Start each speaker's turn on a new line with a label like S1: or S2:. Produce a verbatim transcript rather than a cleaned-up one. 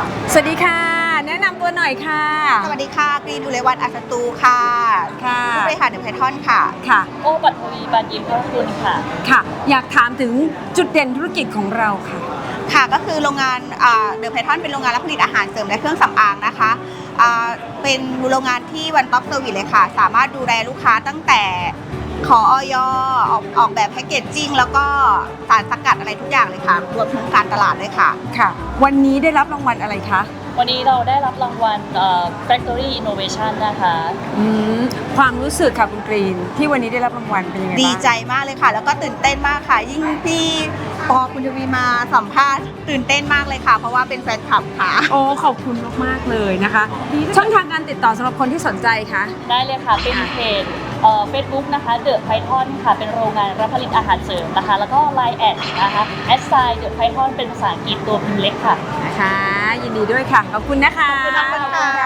S1: สวัสดีค่ะแนะนำตัวหน่อยค่ะ
S2: สวัสดีค่ะกรีนอุไรวันอัศตูค่ะ
S1: ค่ะ
S2: ผู้บริหารเดอะไพทอนค่ะ
S1: ค่ะ
S3: โอ้ปัทวีบานยิมพระคุณค่ะ
S1: ค่ะ อยากถามถึงจุดเด่นธุรกิจของเราค่ะ
S2: ค่ะก็คือโรงงานเดอะไพทอนเป็นโรงงานรับผลิตอาหารเสริมและเครื่องสำอางนะคะเป็นโรงงานที่วันต็อปเซอร์วิสเลยค่ะสามารถดูแลลูกค้าตั้งแต่ขอออยออกออกแบบแพคเกจจิ้งแล้วก็สารสกัดอะไรทุกอย่างเลยค่ะรวมถึงการตลาดเลยค่ะ
S1: ค่ะวันนี้ได้รับรางวัลอะไรคะ
S3: วันนี้เราได้รับรางวัล Factory Innovation นะคะ
S1: อืมความรู้สึกค่ะคุณกรีนที่วันนี้ได้รับรางวัลเป็นยังไงบ้าง
S2: ดีใจมากเลยค่ะแล้วก็ตื่นเต้นมากค่ะยิ่งพี่ปอคุณทวีมาสัมภาษณ์ตื่นเต้นมากเลยค่ะเพราะว่าเป็นแฟนคลับค่ะ
S1: โอ้ขอบคุณมากๆเลยนะคะช่องทางการติดต่อสำหรับคนที่สนใจคะ
S3: ได้เลยค่ะเป็นเพจเฟซบุ๊กนะคะเดอะไพทอนค่ะเป็นโรงงานรับผลิตอาหารเสริมนะคะแล้วก็ไลน์แอดนะคะแอดไซน์เดอะไพทอนเป็นภาษาอังกฤษตัวพิมพ์เล็กค่ะ
S1: นะคะยินดีด้วยค่ะขอบคุณนะคะ
S2: ขอบคุณค่ะ